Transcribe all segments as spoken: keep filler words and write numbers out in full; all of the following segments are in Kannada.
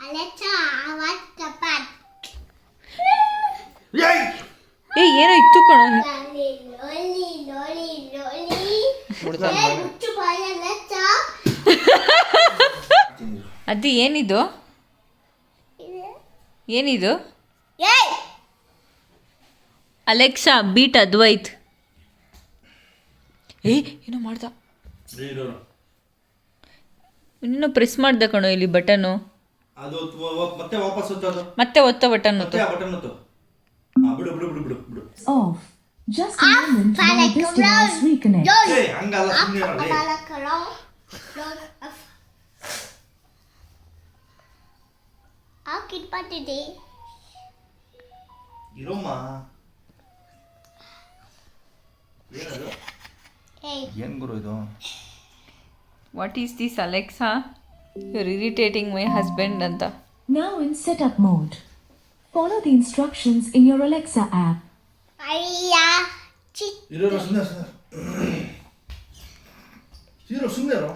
Alexa, what's the bad? ಏಯ್ ಏ ಏನೋ ಇತ್ತು ಕಣೋ. Lolly, lolly, lolly, lolly. ಬಿಡ್ತಾನೆ Hey, ಮುಚ್ಚು ಬಾಯ Alexa. ಅದು ಏನಿದು ಏನಿದು? Hey! Alexa beat Advait. ಏ ಏನೋ ಮಾಡ್ದ, ಇನ್ನೂ ಪ್ರೆಸ್ ಮಾಡ್ದೆ ಕಣೋ ಇಲ್ಲಿ ಬಟನು. ಅದು ಮತ್ತೆ ವಾಪಸ್ ಒತ್ತೋದು, ಮತ್ತೆ ಒತ್ತ ಬಟನ್ ಮತ್ತೆ ಆ ಬಟನ್ ಒತ್ತು. ಆ ಬಿಡು ಬಿಡು ಬಿಡು ಬಿಡು ಬಿಡು. Off. Just a moment while this device reconnects. ಏ ಹಂಗಲ್ಲ, ಸುಮ್ಮನೆ ಇರಲಿ. How today? ಇರೋಮ್ಮ. ಏನದು? Hey. ಏನ್ ಗುರು ಇದು? What is this Alexa? Your irritating my husband ಅಂತ. Now in setup mode. Follow the instructions in your Alexa app. Aya. Chit. ಇರೋ ಸುಮ್ಮನೆ ಇರೋ ಸುಮ್ಮನೆ ಇರೋ.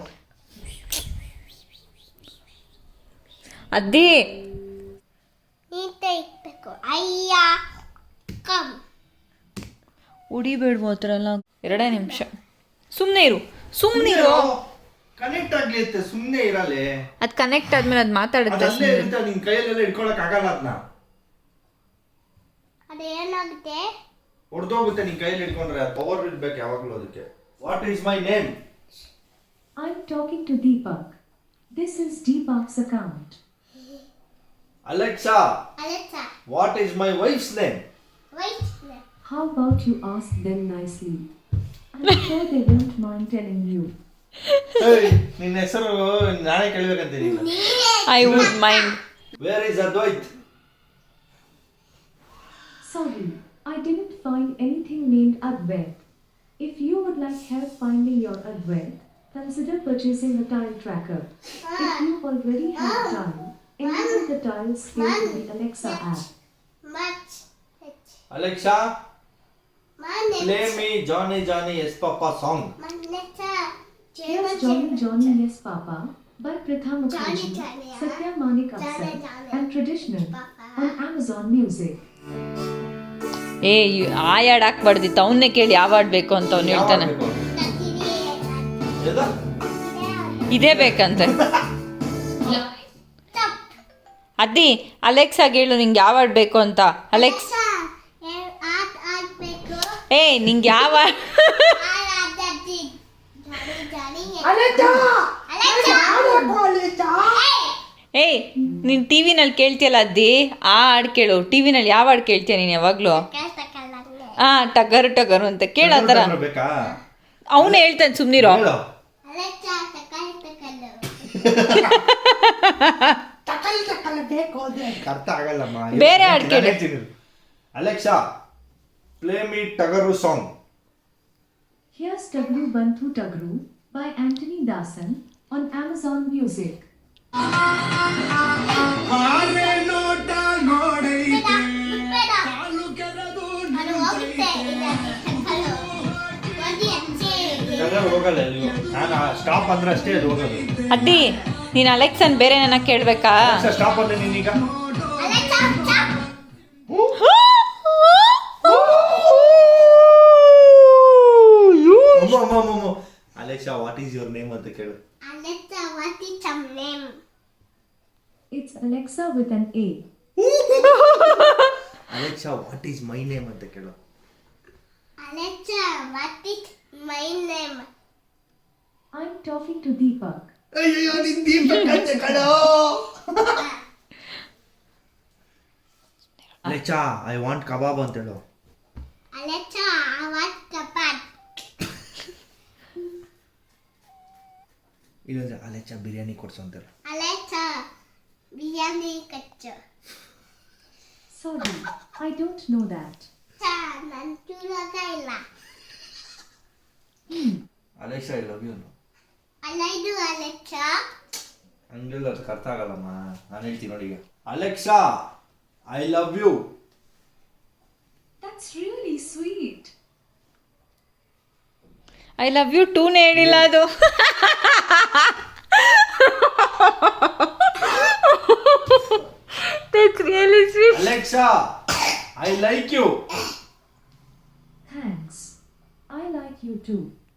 ಅದೇ ನೀಟ ಇಕ್ಬೇಕು. ಅಯ್ಯ. ಕಮ್. ಉಡಿಬೇಡ್ವು ಆ ಥರ ಎಲ್ಲ. ಎರಡೇ ನಿಮಿಷ ಸುಮ್ಮನೆ ಇರು, ಸುಮ್ಮನೆ ಇರು. ಕನೆಕ್ಟ್ ಆಗ್ಲಿ ಅಂತ ಸುಮ್ಮನೆ ಇರಲ್ಲ. ಅದು ಕನೆಕ್ಟ್ ಆದ್ಮೇಲೆ ಅದು ಮಾತಾಡುತ್ತೆ. ಅಲ್ಲೇ ಇರುತ್ತೆ, ನಿನ್ ಕೈಯಲ್ಲೆಲ್ಲ ಇಟ್ಕೊಳಕ್ ಆಗಲ್ಲ ಅದನ್ನ. ಅದೇನಾಗುತ್ತೆ? ಹೊಡೆದೋಗುತ್ತೆ ನಿನ್ ಕೈಯಲ್ಲಿ ಇಟ್ಕೊಂಡ್ರೆ. ಪವರ್ ಇರ್ಬೇಕು ಯಾವಾಗ್ಲೂ ಅದಕ್ಕೆ. What is my name? I'm talking to Deepak. This is Deepak's account. Alexa, Alexa, what is my wife's name? wait. How about you ask them nicely? I'm sure they won't mind telling you. ಏಯ್ ನಿನ್ನ ಹೆಸರು ನಾನೇ ಕೇಳಬೇಕಂತೀನಿ. I would mind. Where is Advait? Sorry, I didn't find anything named Advait. If you would like help finding your Advait, consider purchasing a tile tracker. If you already have tile, enable the tile skill in the Alexa app. Much. Alexa, Manetta. Play me Johnny Johnny yes papa song. Manetta. Here's Johnny Johnny Yes Papa by Pritha Mukherjee, Johnny, Johnny, huh? Satya Manik Johnny, Afsar, Johnny. and Traditional Papa. on Amazon Music. ಏ ಇವ್- ಆ ಹಾಡು ಹಾಕ್ಬಾರ್ದಿತ್ತು, ಅವನ್ನೇ ಕೇಳಿ ಯಾವ ಹಾಡು ಬೇಕು ಅಂತ ಅವ್ನು ಹೇಳ್ತಾನೆ. ಇದೇ ಬೇಕಂತೆ. ಅದ್ದಿ ಅಲೆಕ್ಸಾಗೆ ಹೇಳು ನಿಂಗೆ ಯಾವ ಹಾಡು ಬೇಕು ಅಂತ. ಅಲೆಕ್ಸ್ ಆಟ್ ಆಡ್ಬೇಕು. ಏ ನಿಂಗೆ ಯಾವ ಆಡ್ ಆಡ್ದದ್ದಿ. ಜಾನಿ ಜಾನಿ. Alexa. ಏಯ್ ನೀನು ಟಿ ವಿನಲ್ಲಿ ಕೇಳ್ತೀಯಲ್ಲ ಅದ್ದಿ, ಆ ಹಾಡು ಕೇಳು. ಟಿ ವಿನಲ್ಲಿ ಯಾವ ಹಾಡು ಕೇಳ್ತೀಯ ನೀನು ಯಾವಾಗಲೂ? ಕಷ್ಟಕಲ್ಲಂಗೆ. ಹಾಂ ಟಗರು ಟಗರು ಅಂತ ಕೇಳು. ಆ ಥರ ಬೇಕಾ? ಅವನು ಹೇಳ್ತಾನೆ, ಸುಮ್ಮನಿರೋ. ಹೇಳು. Alexa, ತಕಲ್ ತಕಲ್ಲು. ಅರ್ಥ ಆಗಲ್ಲಮ್ಮ. ಬೇರೆ ಹಾಡು ಕೇಳು. Alexa, play me Tagaru song. Here's Tagru Banthu Tagru by Anthony Dasan on Amazon Music. ಬೇಡ. ಅದು ಹೋಗುತ್ತೆ. ಇದು ತಕಲ್ಲು. ಒಂದು ಹೆಜ್ಜೆ. ಟಗರು ಹೋಗಲ್ಲ ನೀವು. ನಾನು ಸ್ಟಾಪ್ ಅಂದ್ರೆ ಅಷ್ಟೇ ಅದು ಹೋಗೋದು. ಅದ್ದಿ ನೀನು ಅಲೆಕ್ಸನ್ ಬೇರೆ ನನ್ನ ಕೇಳಬೇಕಾ? ಸ್ಟಾಪ್ ಅಂದ್ರೆ ನೀನೀಗ Alexa, stop. Alexa what is your name ಅಂತ ಕೇಳು. Alexa, what is your name? It's Alexa with an A. Alexa what is my name ಅಂತ ಕೇಳು. Alexa, what is my name? I'm talking to Deepak. ಅಯ್ಯೋ ನಿನ್ ದೀಪಕ್ ಅಂತ ಕಣೋ. ಅಲೆಕ್ಸಾ ಐ ವಾಂಟ್ ಕಬಾಬ್ ಅಂತ ಹೇಳು. Alexa, what's the bad? ಇನ್ನೊಂದು ಅಲೆಕ್ಸಾ ಬಿರಿಯಾನಿ ಕೊಡ್ಸು ಅಂತ ಹೇಳು. Alexa, biryani ಕಚ್ಚು. Sorry, I don't know that. ಚಾ ನನ್ ಚೂರಾಗ ಇಲ್ಲ. Alexa I love you. ಅಲ್ಲೈದು Alexa. ಹಂಗೆಲ್ಲ ಅದಕ್ಕೆ ಅರ್ಥ ಆಗಲ್ಲಮ್ಮ. ನಾನು ಹೇಳ್ತೀನಿ ನೋಡಿ ಈಗ. Alexa I love you. That's really sweet. I love you ಟೂನೇ ಹೇಳಿಲ್ಲ ಅದು. Alexa I like you. Thanks. I like you too.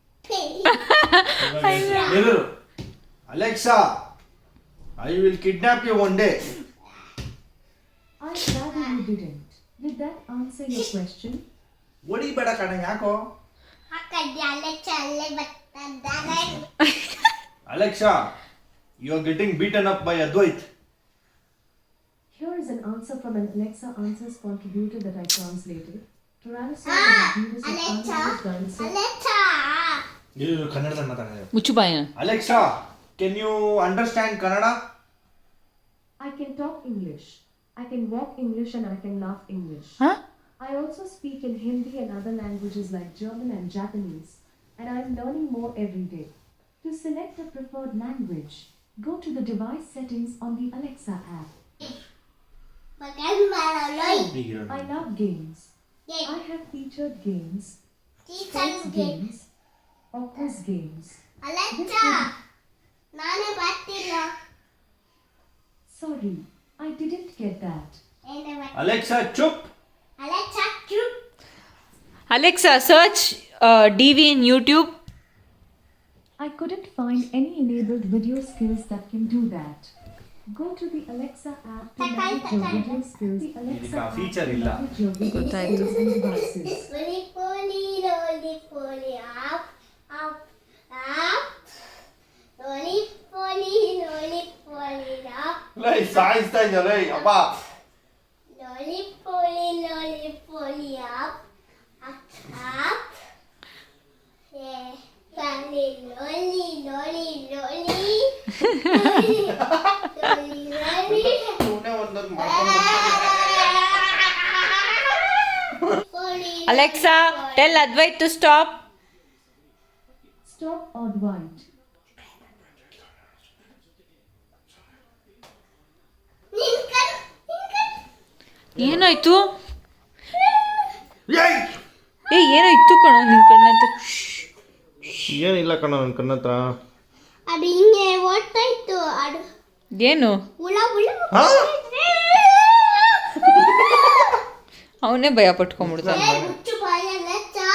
Alexa I will kidnap you one day. I'm glad that you didn't. Did that answer your question? ಹೊಡಿಬೇಡ ಕಣ, ಯಾಕೋ? ಹಾಕದ್ದೆ ಅಲೆಕ್ಸಾ ಅಲ್ಲೇ ಬರ್ತಿದ್ದಾರೆ. Alexa you are getting beaten up by Advait. Here is an answer from an Alexa Answers contributor that I translated. Tyrannosaurus Ah, is a genus of Alexa, carnivorous dinosaurs. Alexa ನೀವು ಕನ್ನಡದಲ್ಲಿ ಮಾತಾಡಿದ್ರೆ. ಮುಚ್ಚು ಬಾಯ. Alexa can you understand Kannada? I can talk English. I can walk English and I can laugh English. Huh? I also speak in Hindi and other languages like German and Japanese, and I am learning more every day. To select a preferred language, go to the device settings on the Alexa app. ಮಗನ್ ಮಾಡಲೋಯ್. I love games. Yes. I have featured games, teacher sports ಗೆ games, or quiz games. Alexa ನಾನೇ ಬರ್ತಿಲ್ಲ. Sorry, I didn't get that. ಏನೇ ಬರ್ತಿಲ್ಲ. ಅಲೆಕ್ಸಾ ಚುಪ್. ಅಲೆಕ್ಸಾ ಚುಪ್. Alexa, search uh, D V in YouTube. I couldn't find any enabled video skills that can do that. Go to the Alexa app to manage your video skills. The Alexa ಇದಕ್ಕೆ ಆ app feature to ಇಲ್ಲ. manage your video ಗೊತ್ತಾಯ್ತು. skills and devices. ಪೋಲಿ ಪೋಲಿ ರೋಲಿ ಪೋಲಿ ಆಪ್ ಆಪ್ ಆಪ್ ರೋಲಿ ಪೋಲಿ ರೋಲಿ ಪೋಲಿ ಆಪ್ ಲೈ ಸಾಯಿಸ್ತಾ ಇದ್ದಲೇ ಅಪ್ಪ. ರೋಲಿ ಪೋಲಿ ರೋಲಿ ಪೋಲಿ ಆಪ್ ಆಪ್ ಆಪ್ ಏ ಪೋಲಿ ರೋಲಿ ರೋಲಿ ರೋಲಿ ರೋಲಿ ರೋಲಿ ಸುಮ್ಮನೆ ಒಂದೊಂದು ಮಾಡ್ಕೊಂಡು ಪೋಲಿ Alexa, tell Advait to stop. Stop Advait. ನಿಂಕನ್ ನಿಂಕನ್ ಏನಾಯ್ತು? ಏಯ್ ಏ ಏನಾಯ್ತು ಕಣೋ ನಿನ್ ಕಣ್ಣಂತ? ಏನಿಲ್ಲ ಕಣ ನನ್ನ ಕಣ್ಣ ಹತ್ರ. ಅದು ಹಿಂಗೆ ಓಡ್ತಾ ಇತ್ತು ಅದು ಏನು? ಹುಳ ಹುಳ ಅವನೇ ಭಯ ಪಟ್ಕೊಂಡ್ಬಿಡ್ತಾನೆ. ಏ ಮುಚ್ಚು ಬಾಯ ಅಲೆಕ್ಸಾ.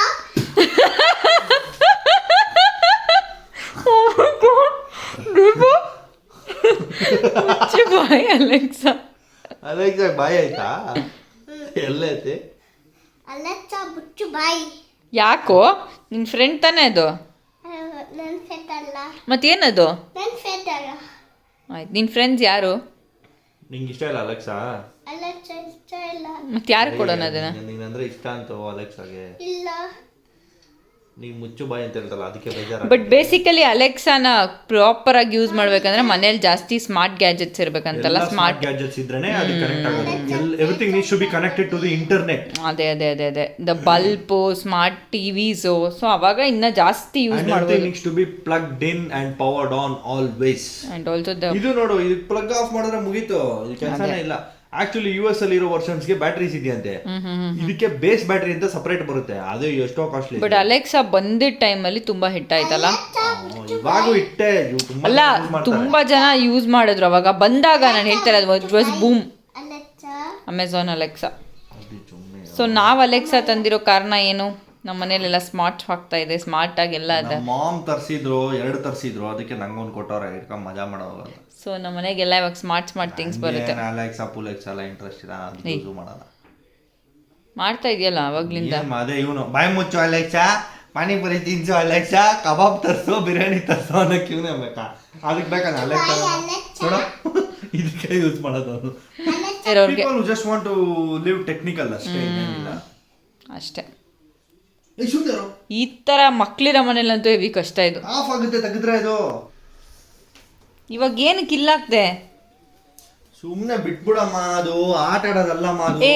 ಮುಚ್ಚು ಬಾಯ್ ಅಲೆಕ್ಸಾ. ಅಲೆಕ್ಸಾ ಬಾಯ್ ಆಯ್ತಾ? ಎಲ್ಲೈತಿ? ಅಲೆಕ್ಸಾ ಮುಚ್ಚು ಬಾಯಿ. ಯಾಕೋ? ನಿನ್ ಫ್ರೆಂಡ್ ತಾನೇ ಅದು? ನನ್ನ ಫ್ರೆಂಡ್ ಅಲ್ಲ, ಮತ್ತೇನದು? ನನ್ನ ಫ್ರೆಂಡ್ ಅಲ್ಲ. ಆಯ್ತು, ನಿನ್ ಫ್ರೆಂಡ್ಸ್ ಯಾರು? ನಿಂಗೆ ಇಷ್ಟ ಇಲ್ಲ ಅಲೆಕ್ಸಾ? ಅಲೆಕ್ಸಾ ಇಷ್ಟ ಇಲ್ಲ. ಮತ್ತೆ ಯಾರು ಕೊಡೋಣ ಅದನ್ನ? ನೀನಂದ್ರೆ ಇಷ್ಟ ಅಂತ ಅಲೆಕ್ಸಾಗೆ. ಇಲ್ಲ ನೀವು ಮುಚ್ಚು ಬಾಯಿ ಅಂತ ಹೇಳ್ತಲ್ಲ ಅದಕ್ಕೆ ಬೇಜಾರ. ಬಟ್ ಬೇಸಿಕಲಿ ಅಲೆಕ್ಸಾನ ಪ್ರಾಪರ್ ಆಗಿ ಯೂಸ್ ಮಾಡ್ಬೇಕಂದ್ರೆ ಮನೇಲಿ ಜಾಸ್ತಿ ಸ್ಮಾರ್ಟ್ ಗ್ಯಾಜೆಟ್ಸ್ ಇರ್ಬೇಕಂತಲ್ಲ. ಸ್ಮಾರ್ಟ್ ಗ್ಯಾಜೆಟ್ಸ್ ಇದ್ರೇನೆ ಅದು ಕನೆಕ್ಟ್ ಆಗೋದು. Everything needs to be connected to the internet. ಅದೇ ಅದೇ ಅದೇ ಅದೇ the bulb, smart TVs, so ಅವಾಗ ಇನ್ನ ಜಾಸ್ತಿ ಯೂಸ್ ಮಾಡ್ಬೋದು. Needs to be plugged in and powered on always. And also the ಇದು ನೋಡು, ಇದು ಪ್ಲಗ್ ಆಫ್ ಮಾಡಿದ್ರೆ ಮುಗೀತು, ಇದು ಕೆಲಸನೇ ಇಲ್ಲ. ಆಕ್ಚುಲಿ ಯು ಎಸ್ ಅಲ್ಲಿ ಇರೋ ವರ್ಷನ್ಸ್ಗೆ ಬ್ಯಾಟ್ರೀಸ್ ಇದೆಯಂತೆ, ಇದಕ್ಕೆ ಬೇಸ್ ಬ್ಯಾಟ್ರಿ ಅಂತ ಸಪರೇಟ್ ಬರುತ್ತೆ, ಅದು ಎಷ್ಟೋ ಕಾಸ್ಟ್ಲಿ. ಬಟ್ ಅಲೆಕ್ಸಾ ಬಂದಿದ್ದ ಟೈಮಲ್ಲಿ ತುಂಬಾ ಹಿಟ್ ಆಯ್ತಲ್ಲ. ಇವಾಗೂ ಇಟ್ಟೆ ಅಲ್ಲ, ತುಂಬಾ ಜನ ಯೂಸ್ ಮಾಡಿದ್ರು ಅವಾಗ ಬಂದಾಗ. ನಾನು ಹೇಳ್ತಾರೆ ಅದು was boom. Alexa Amazon Alexa. So ನಾವು ಅಲೆಕ್ಸಾ ತಂದಿರೋ ಕಾರಣ ಏನು? ನಮ್ಮ ಮನೇಲೆಲ್ಲ ಸ್ಮಾರ್ಟ್ ಆಗ್ತಾ ಇದೆ, ಸ್ಮಾರ್ಟ್ ಆಗಿ ಎಲ್ಲ ಅದ. ಮಾಮ್ ತರ್ಸಿದ್ರು, ಎರಡು ತರ್ಸಿದ್ರು, ಅದಕ್ಕೆ ನಂಗೊಂದು ಕೊಟ್ಟವ್ರೆ, ಇಟ್ಕೊಂಡ್ ಮಜಾ ಮಾಡೋವಾಗ. ಸೊ ನಮ್ಮ ಮನೆಗೆಲ್ಲ ಇವಾಗ ಸ್ಮಾರ್ಟ್ ಸ್ಮಾರ್ಟ್ ಥಿಂಗ್ಸ್ ಬರುತ್ತೆ. ಅಲೆಕ್ಸಾ ಪುಲೆಕ್ಸಾ ಎಲ್ಲ ಇಂಟ್ರೆಸ್ಟ್ ಇಲ್ಲ, ಅದು ಯೂಸ್ ಮಾಡಲ್ಲ. ಮಾಡ್ತಾ ಇದೆಯಲ್ಲ ಅವಾಗ್ಲಿಂದ. ಏನ್ ಅದೇ ಇವನು ಬಾಯಿ ಮುಚ್ಚು ಅಲೆಕ್ಸಾ, ಪಾನಿಪುರಿ ತಿನ್ಸು ಅಲೆಕ್ಸಾ, ಕಬಾಬ್ ತರ್ಸು, ಬಿರಿಯಾನಿ ತರ್ಸು ಅನ್ನೋಕೆ ಇವನೇ ಬೇಕಾ? ಅದಕ್ಕೆ ಬೇಕಾದ ಅಲೆಕ್ಸಾ ನೋಡ, ಇದಕ್ಕೆ ಯೂಸ್ ಮಾಡೋದು ಅವನು. ಇರೋರ್ಗೆ People who just want to live technical ಅಷ್ಟೇ, ಏನಿಲ್ಲ ಅಷ್ಟೇ. ಏ ಸುಂದರ, ಈ ತರ ಮಕ್ಳಿರೋ ಮನೇಲಂತೂ ಹೆವಿ ಕಷ್ಟ ಇದು. ಆಫ್ ಆಗುತ್ತೆ ತೆಗೆದ್ರೆ ಇದು. ಇವಾಗ ಏನಕ್ಕೆ ಇಲ್ಲಾಗ್ದೆ? ಸುಮ್ನೆ ಬಿಟ್ಬಿಡಮ್ಮ, ಅದು ಆಟ ಆಡೋದಲ್ಲಮ್ಮ ಅದು. ಏ.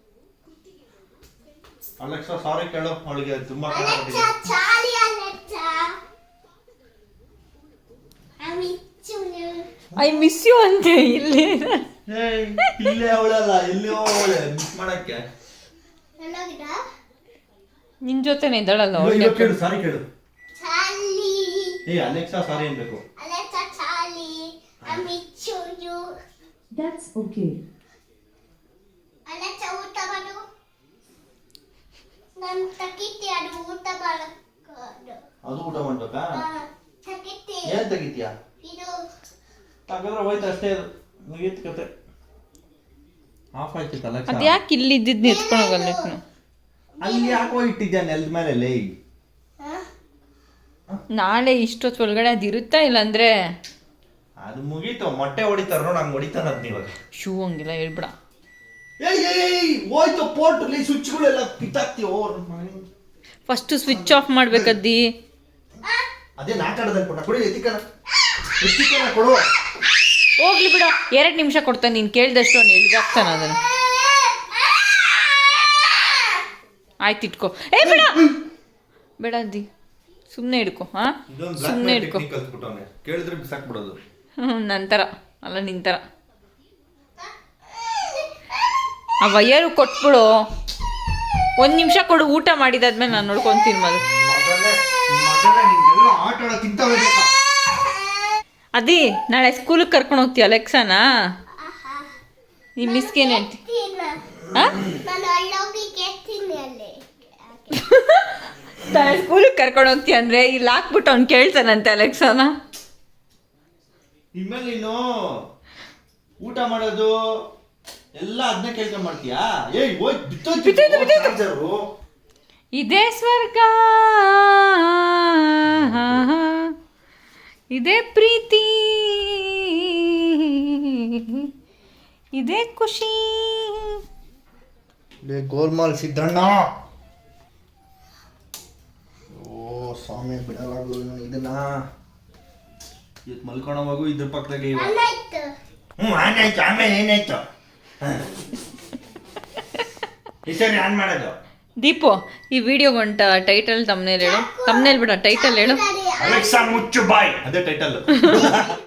ಅಲೆಕ್ಸಾ ಸಾರಿ ಕೇಳೋ, ಅವಳಿಗೆ ತುಂಬಾ ಕಷ್ಟ ಅಲೆಕ್ಸಾ ಚಾಲಿ Alexa I miss you. I miss you ಅಂತೆ ಇಲ್ಲಿ. ಏಯ್, ಇಲ್ಲೇ ಅವಳಲ್ಲ, ಇಲ್ಲಿ ಅವಳೆ ಮಿಸ್ ಮಾಡಕ್ಕೆ. ಎಲ್ಲೋಗಿದ ನಿನ್ ಜೊತೆನೆ ಇದ್ದಾಳಲ್ಲ ಇವಾಗ ಒಳ್ಳೆ. ಕೇಳು, ಸಾರಿ ಕೇಳು. ಚಾಲಿ ಏ ಅಲೆಕ್ಸಾ ಸಾರಿ ಅನ್ಬೇಕು. ಅಲೆಕ್ಸಾ ಚಾಲಿ I miss you. That's okay. ನಾನು ತಗಿತಿ ಅದು ಊಟ ಮಾಡಕ್ಕೆ ಅದು ಊಟ ಮಾಡ್ಬೇಕಾ ತಗಿತಿ ಏನ್ ತೆಗಿತೀಯಾ ಇದು ಹಾಗಾದ್ರೆ ಹೋಯ್ತು ಅಷ್ಟೇ ಅದು ಮುಗೀತು ಕತೆ ಆಫ್ ಆಯ್ತಲ್ಲ ಅದು ಯಾಕೆ ಇಲ್ಲಿ ಇದ್ದಿದ್ದು ಎತ್ಕೊಂಡು ಹೋಗಲ್ಲ ಅಲ್ಲಿ ಯಾಕೋ ಇಟ್ಟಿದ್ಯಾ ನೆಲದ ಮೇಲೆ ಲೇ ನಾಳೆ ಇಷ್ಟೊತ್ತು ಒಳಗಡೆ ಅದು ಇರುತ್ತಾ ಇಲ್ಲಾಂದ್ರೆ ಅದು ಮುಗೀತು ಮೊಟ್ಟೆ ಹೊಡಿತಾರ ನೋಡ್ ಹಂಗೆ ಹೊಡಿತಾನದ್ ನೀವಾಗ ಶೂ ಹಂಗಿಲ್ಲ ಹೇಳ್ಬಿಡ. ಏಯ್ ಏಯ್ ಹೋಯ್ತು ಪೋರ್ಟ್ ಲೇ ಸ್ವಿಚ್ಗಳೆಲ್ಲ ಕಿತ್ತಾಕ್ತೀವೋ ಫಸ್ಟ್ ಸ್ವಿಚ್ ಆಫ್ ಮಾಡ್ಬೇಕದ್ದಿ. ಅದೇ ನಾಟಕದಲ್ಲಿ ಕೊಟ್ಟ ಕೊಡಿ ಎತ್ತಿಕನ ಎತ್ತಿಕನ ಕೊಡು ಹೋಗ್ಲಿ ಬಿಡ, ಎರಡು ನಿಮಿಷ ಕೊಡ್ತಾನೆ, ನೀನು ಕೇಳ್ದಷ್ಟು ಅವ್ನು ಎಳ್ದಾಕ್ತಾನೆ ಅದನ್ನು. ಆಯ್ತು ಇಟ್ಕೋ. ಏ ಬೇಡ ಬೇಡ ಅದ್ದಿ, ಸುಮ್ಮನೆ ಹಿಡ್ಕೊ. ಹಾಂ ಸುಮ್ಮನೆ ಹಿಡ್ಕೊ. ಕೇಳಿದ್ರೆ ಬಿಸಾಕ್ಬಿಡೋದು. ಹ್ಞೂ ನಂತರ ಅಲ್ಲ ನಿಂತರ ಆ ವೈಯರು ಕೊಟ್ಬಿಡು. ಒಂದು ನಿಮಿಷ ಕೊಡು, ಊಟ ಮಾಡಿದಾದ್ಮೇಲೆ ನಾನು ನೋಡ್ಕೊತೀನಿ ಮದು. ಆಟ ಆಡೋಕ್ಕಿಂತ ಅದಿ ನಾಳೆ ಸ್ಕೂಲಿಗೆ ಕರ್ಕೊಂಡು ಹೋಗ್ತೀಯ ಅಲೆಕ್ಸಾನ? ನಿಮ್ಮ ಮಿಸ್ಗೆ ಏನು ಹೇಳ್ತಿ? ಹಾಂ ನಾನು ಅಲ್ಲೋಗಿ ಕೇಳ್ತೀನಿ ಅಲ್ಲಿ ನಾಳೆ ಸ್ಕೂಲಿಗೆ ಕರ್ಕೊಂಡು ಹೋಗ್ತೀಯ ಅಂದರೆ ಇಲ್ಲಿ ಹಾಕ್ಬಿಟ್ಟು ಅವ್ನು ಕೇಳ್ತಾನಂತೆ ಅಲೆಕ್ಸಾನ. ಇನ್ಮೇಲೆ ನೀನು ಊಟ ಮಾಡೋದು ಎಲ್ಲ ಅದನ್ನ ಕೇಳ್ಕೊಂಡ್ ಮಾಡ್ತೀಯಾ? ಏಯ್ ಹೋಯ್ ಬಿತ್ತೋಯ್ತು. ಇದೇ ಸ್ವರ್ಗ, ಇದೇ ಪ್ರೀತಿ, ಇದೇ ಖುಷಿ. ಗೋಲ್ಮಾಲ್ ಸಿದ್ದಣ್ಣ. ಓ ಸ್ವಾಮಿ ಬಿಡಲಾಗಲ್ಲ ಇದನ್ನ. ಇವತ್ತು ಮಲ್ಕೊಂಡವಾಗು ಇದ್ರ ಪಕ್ಕದಾಗೆ ಇವ. ಅನ್ನಾಯ್ತು ಹ್ಞೂ ಆನಾಯ್ತು. ಆಮೇಲೆ ಏನಾಯ್ತು? ಹೆಸರು ಆನ್ ಮಾಡೋದು. ದೀಪು, ಈ ವಿಡಿಯೋಗೊಂಟ ಟೈಟಲ್ ತಮ್ಮನೇಲಿ ಹೇಳು. ತಮ್ಮನೇಲಿ ಬಿಡ, ಟೈಟಲ್ ಹೇಳು. ಅಲೆಕ್ಸಾ ಮುಚ್ಚು ಬಾಯ್, ಅದೇ ಟೈಟಲ್.